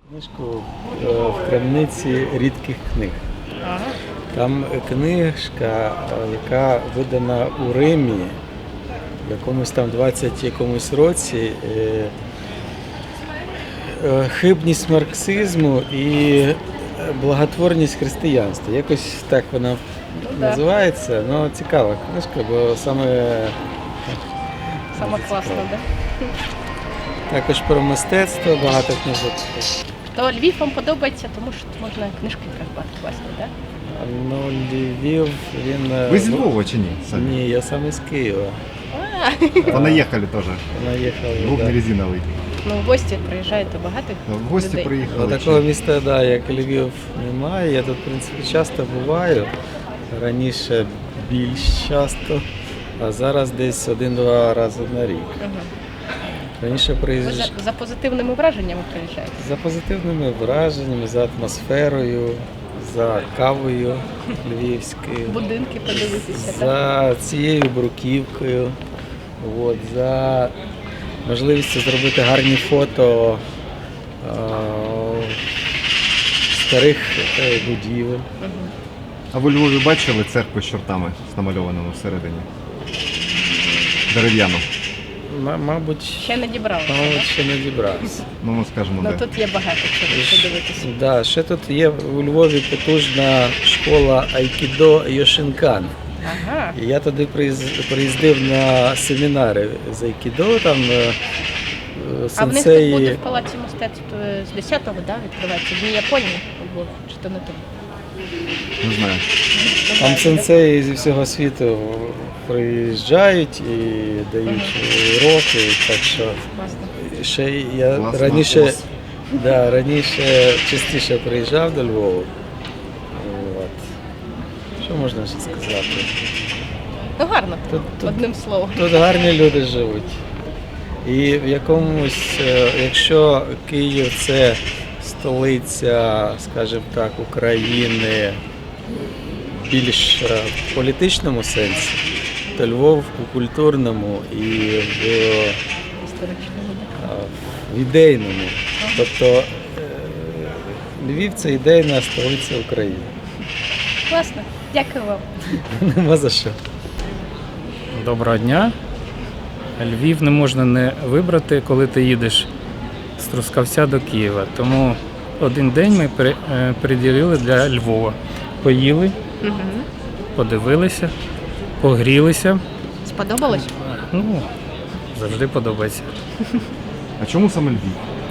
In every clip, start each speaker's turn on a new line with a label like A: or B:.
A: Книжку в крамниці рідких книг. Там книжка, яка видана у Римі в якомусь там 20 якомусь році. Хибність марксизму і благотворність християнства. Якось так вона називається. Ну, цікава книжка, бо саме
B: класно, так?
A: Також про мистецтво багато книжок.
B: То Львів вам подобається, тому що можна книжки придбати класні, так?
A: Ну, Львів, він...
C: Ви з Львова чи ні?
A: Ні, я сам із Києва.
C: Понаїхали теж.
A: Понаїхали,
C: Двох
A: да.
C: не резиновий.
B: Ну, в гості приїжджаєте багато
C: В гості
B: людей.
C: приїхали.
A: Такого міста, да, як Львів, немає. Я тут, в принципі, часто буваю. Раніше більш часто, а зараз десь 1-2 рази на рік. Раніше
B: Ви
A: приїжджав
B: за позитивними враженнями приїжджаєте?
A: за позитивними враженнями, за атмосферою, за кавою львівською,
B: Будинки подивитися, так?
A: за цією бруківкою, от, за можливістю зробити гарні фото старих будівель.
C: А ви у Львові бачили церкву з чортами, з намальованими всередині? Дерев'яну.
A: Мабуть,
B: Ще не дібрали,
A: ще не дібрався.
C: Ну, ми скажемо,
B: Ну
C: де.
B: тут є багато чого подивитися.
A: Да, ще тут є у Львові потужна школа айкідо Йошинкан.
B: Ага.
A: І я туди приїздив на семінари з айкідо, там
B: А в них тут буде
A: сенсеї.
B: в Палаці мистецтв з 10-го, да, відкривається? В Дні Японії у Львові, чи то не тут?
C: Не знаю.
A: Там сенсеї зі всього світу приїжджають і дають уроки, так що ще я
C: Класно.
A: раніше, да, раніше частіше приїжджав до Львова. От. Що можна ще сказати?
B: Ну гарно,
A: Тут-
B: одним словом.
A: Тут гарні люди живуть. І в якомусь, якщо Київ це столиця, скажімо так, України більш в політичному сенсі, то Львов у культурному і в ідейному. Тобто Львів це ідейна столиця України.
B: Класно, дякую вам.
A: Нема за що.
D: Доброго дня. Львів не можна не вибрати, коли ти їдеш з Трускавця до Києва. Тому один день ми приділили для Львова. Поїли, подивилися, погрілися.
B: Сподобалось?
D: Ну, завжди подобається.
C: А чому саме Львів?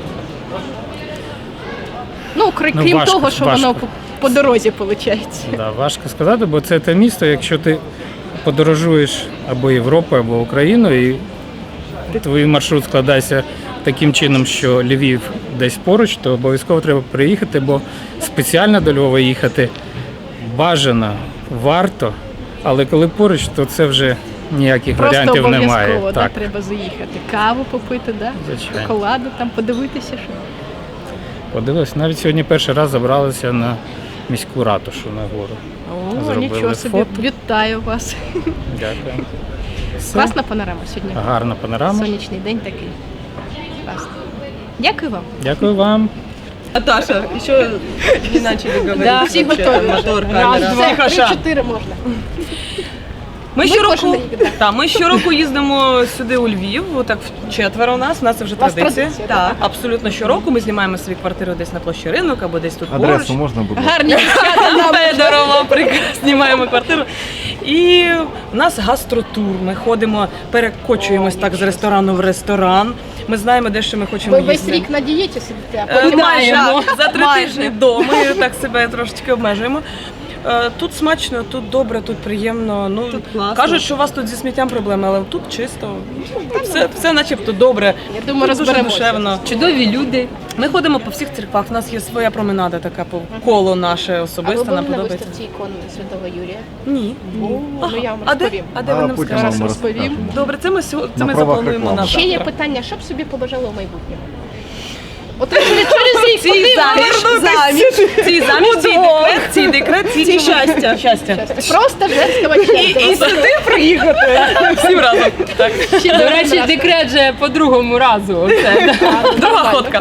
B: Ну, крім
D: важко,
B: того, що воно
D: важко.
B: по дорозі виходить.
D: Да, важко сказати, бо це те місто, якщо ти подорожуєш або Європою, або Україною, і твій маршрут складається таким чином, що Львів десь поруч, то обов'язково треба приїхати, бо спеціально до Львова їхати бажано, варто, але коли поруч, то це вже ніяких
B: Просто
D: варіантів немає.
B: обов'язково, да,
D: Так,
B: треба заїхати. Каву попити, да?
D: Звичайно.
B: Шоколаду, там подивитися, що.
D: подивилися. Навіть сьогодні перший раз забралися на міську ратушу на гору.
B: О,
D: Зробили
B: нічого собі,
D: фото.
B: вітаю вас.
D: Дякую. Все.
B: Класна панорама сьогодні.
D: Гарна панорама.
B: Сонячний день такий. Класно. Дякую вам.
D: Дякую вам.
E: Наташа, еще не начали говорить.
B: Да, всі
E: вообще,
B: готові.
E: Мотор,
B: Раз,
E: камера.
B: два,
E: Всі хаша.
B: 3-4 можна.
E: Ми
B: кожен
E: щороку,
B: рік, да.
E: ми щороку їздимо сюди у Львів, отак четверо у нас це вже
B: У вас
E: традиція.
B: традиція,
E: Так, абсолютно щороку ми знімаємо свою квартиру десь на площі Ринок або десь тут
C: Адресу
E: поруч.
C: можна, будь ласка?
B: Гарні дівчата нам.
E: Федорова, знімаємо квартиру. І у нас гастротур. Ми ходимо, перекочуємось так з ресторану в ресторан. Ми знаємо, де що ми хочемо
B: Ви весь
E: їсти.
B: рік на дієті сидите, а потім
E: Майже за 3
B: Майже.
E: тижні до. Ми так себе трошечки обмежуємо. Тут смачно, тут добре, тут приємно. Ну,
B: Тут класно.
E: кажуть, що у вас тут зі сміттям проблеми, але тут чисто. Все начебто добре.
B: Я думаю,
E: Тут дуже
B: розберемося.
E: душевно.
F: Чудові люди.
E: Ми ходимо по всіх церквах. У нас є своя променада така по коло наше
B: А ви
E: особисте,
B: були
E: нам
B: на
E: подобається.
B: виставці ікон Святого Юрія?
E: Ні.
B: Ну я вам
E: А де?
B: розповім.
E: А де ви нам
C: потім
E: скажете?
C: вам
B: розповім.
C: розкажемо.
E: Добре, це ми
C: На
E: заплануємо
C: правах
E: на
C: реклами.
B: Ще є
E: завтра.
B: питання, що б собі побажали у майбутньому? От ви через рік
E: Цій заміж, цій декрет, цій щастя.
B: просто женська
E: І сюди приїхати. Всім разом. Так.
F: До речі, декрет же по другому разу. Оце, да.
E: Друга ходка.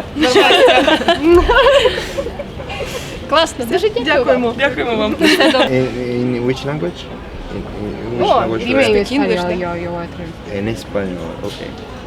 B: Класно, дуже
E: Дякуємо. Дякуємо вам.
G: In which language? In which
B: О,
G: language?
B: ім'я
G: do I-
B: español.
G: En español, okay.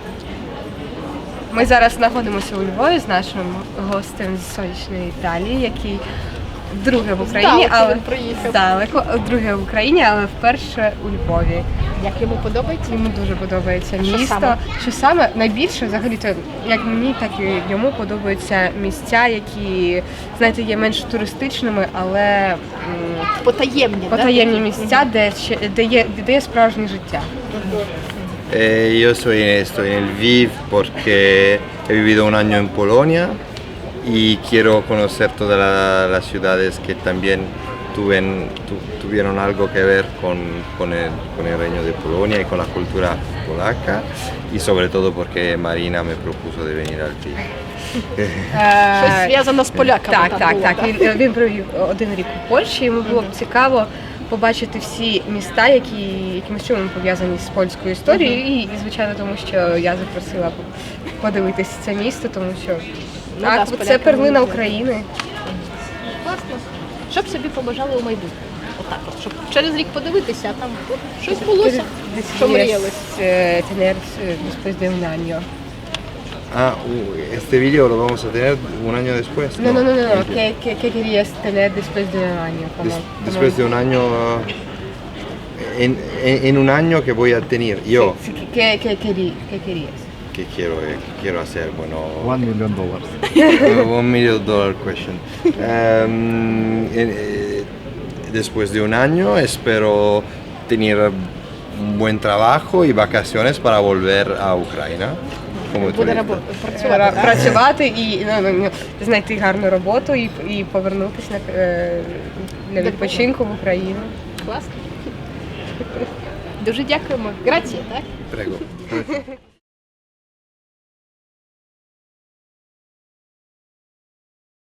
H: Ми зараз знаходимося у Львові з нашим гостем з сонячної Італії, який вдруге в Україні,
B: Здалеку
H: але
B: він приїхав.
H: здалеку, вдруге в Україні, але вперше у Львові.
B: Як йому подобається?
H: Йому дуже подобається
B: Що
H: місто.
B: саме?
H: Що саме найбільше, взагалі, то як мені, так і йому подобаються місця, які, знаєте, є менш туристичними, але
B: Потаємні,
H: потаємні місця, де є справжнє життя.
G: Yo estoy en Lviv porque he vivido un año en Polonia y quiero conocer todas las ciudades que también tuvieron algo que ver con el reino de Polonia y con la cultura polaca y sobre todo porque Marina me propuso de venir al Lviv.
B: Щось зв'язано з поляками.
H: Так,
B: там
H: так,
B: було.
H: так. Він провів 1 рік у Польщі. Йому було б цікаво побачити всі міста, які якимось чином пов'язані з польською історією. І, звичайно, тому що я запросила подивитися це місто, тому що
B: Ну да,
H: так,
B: з
H: це
B: поляками
H: перлина
B: дуже.
H: України.
B: Класно. Що б собі побажали у майбутньому? Отак от, щоб через рік подивитися, а там щось булося, що мріяли.
H: Tener después de un año.
G: Ah, este vídeo lo vamos a tener un año después.
H: No.
G: Okay.
H: ¿Qué querías tener después de un año?
G: Después de un año, en un año que voy a tener yo,
H: Sí, ¿qué querías?
G: que quiero hacer, bueno,
C: $1 million.
G: $1 million question. Después de un año espero tener un buen trabajo y vacaciones para volver a Ucrania. Como
B: Буде
G: turista.
B: працювати. так?
H: Працювати і знайти гарну роботу і повернутися для відпочинку в Україну.
B: Класно. Дуже дякуємо. Грація, так?
G: Prego.